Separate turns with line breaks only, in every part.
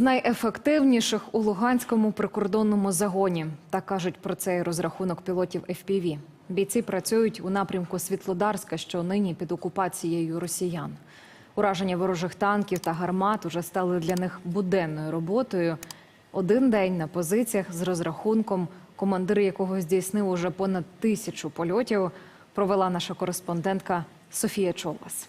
найефективніших у Луганському прикордонному загоні. Так кажуть про цей розрахунок пілотів FPV. Бійці працюють у напрямку Світлодарська, що нині під окупацією росіян. Ураження ворожих танків та гармат уже стали для них буденною роботою. Один день на позиціях з розрахунком, командир якого здійснив уже понад 1000 польотів, провела наша кореспондентка Софія Чолас.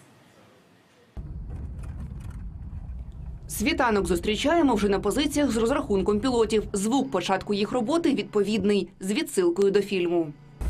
Світанок зустрічаємо вже на позиціях з розрахунком пілотів. Звук початку їх роботи відповідний, з відсилкою до фільму.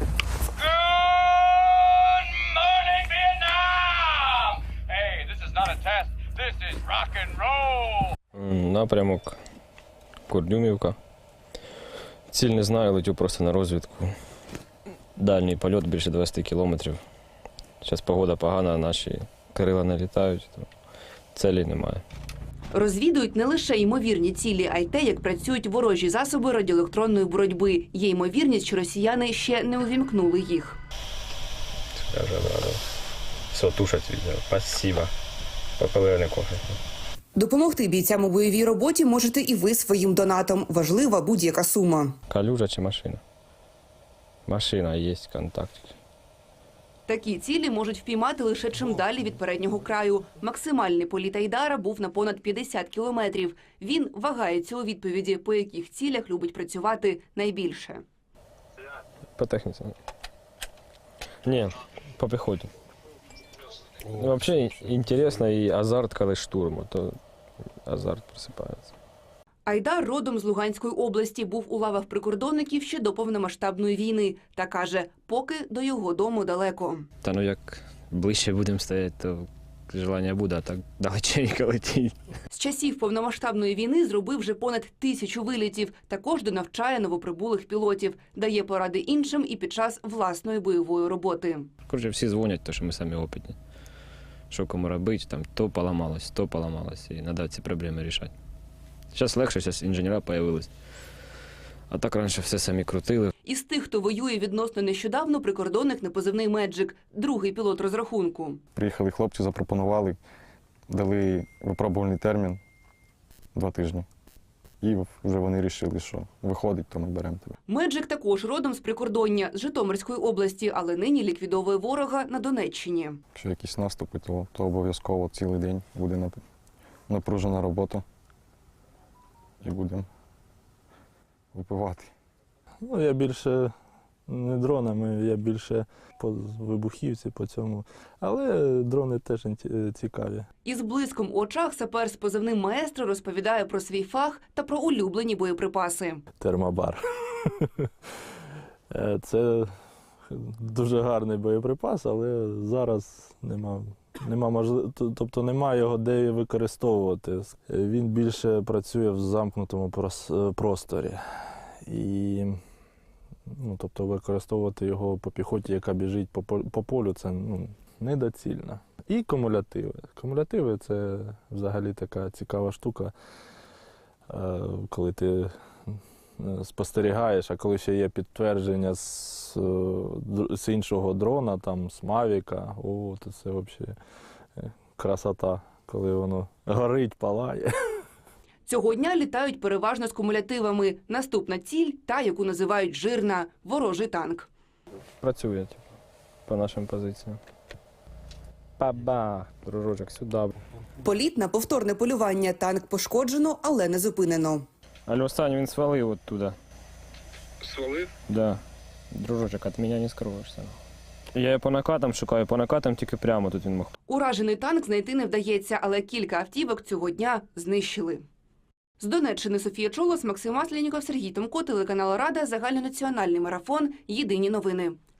Good morning, Vietnam! Hey, this is not a test. This is rock and roll.
Напрямок Курдюмівка. Ціль не знаю, летю просто на розвідку. Дальній польот більше 20 кілометрів. Зараз погода погана, наші крила не літають, то цілі немає.
Розвідують не лише ймовірні цілі, а й те, як працюють ворожі засоби радіоелектронної боротьби. Є ймовірність, що росіяни ще не увімкнули їх.
Скажу, рада. Все, тушать відео. Спасибо. Попили не кофе.
Допомогти бійцям у бойовій роботі можете і ви своїм донатом. Важлива будь-яка сума.
Калюжа чи машина? Машина, є контакт.
Такі цілі можуть впіймати лише чим далі від переднього краю. Максимальний політ Айдара був на понад 50 кілометрів. Він вагається у відповіді, по яких цілях любить працювати найбільше.
По техніці. Ні, по піхоті. Взагалі, інтересно і азарт, коли штурму, то азарт просипається.
Айдар родом з Луганської області, був у лавах прикордонників ще до повномасштабної війни. Та каже, поки до його дому далеко.
Та ну як ближче будемо стояти, то бажання буде, а так далеченько летіть.
З часів повномасштабної війни зробив вже понад 1000 вилітів. Також донавчає новоприбулих пілотів. Дає поради іншим і під час власної бойової роботи.
Коротше, всі дзвонять, то що ми самі опитні. Що кому робити, там то поламалось, і треба ці проблеми рішати. Зараз легше, зараз інженери з'явились. А так раніше все самі крутили.
Із тих, хто воює відносно нещодавно, прикордонник на позивний «Меджик», другий пілот розрахунку.
Приїхали хлопці, запропонували, дали випробувальний термін 2 тижні. І вже вони вирішили, що виходить, то ми беремо тебе.
«Меджик» також родом з прикордоння, з Житомирської області, але нині ліквідовує ворога на Донеччині.
Якщо якісь наступи, то обов'язково цілий день буде напружена робота. І будемо випивати.
Ну, я більше не дронами, я більше по вибухівці, по цьому. Але дрони теж цікаві.
Із блиском у очах сапер з позивним «Маестро» розповідає про свій фах та про улюблені боєприпаси.
Термобар. Це дуже гарний боєприпас, але зараз немає його де використовувати. Він більше працює в замкнутому просторі. І використовувати його по піхоті, яка біжить по полю, це недоцільно. І кумулятиви. Кумулятиви – це взагалі така цікава штука, коли ти спостерігаєш, а коли ще є підтвердження з іншого дрона, там, з Мавіка, то це взагалі красота, коли воно горить, палає.
Цього дня літають переважно з кумулятивами. Наступна ціль – та, яку називають «жирна» – ворожий танк.
Працює, по нашим позиціям. Бабах, дружочок, сюди.
Політ на повторне полювання. Танк пошкоджено, але не зупинено.
Але останній він свалив оттуда.
Свалив?
Да. Дружочок, від мене не скроєшся. Я його по накатам шукаю, по накатам тільки прямо тут він мог.
Уражений танк знайти не вдається, але кілька автівок цього дня знищили. З Донеччини Софія Чолос, Максим Масленіков, Сергій Томко, телеканал Рада, загальнонаціональний марафон. Єдині новини.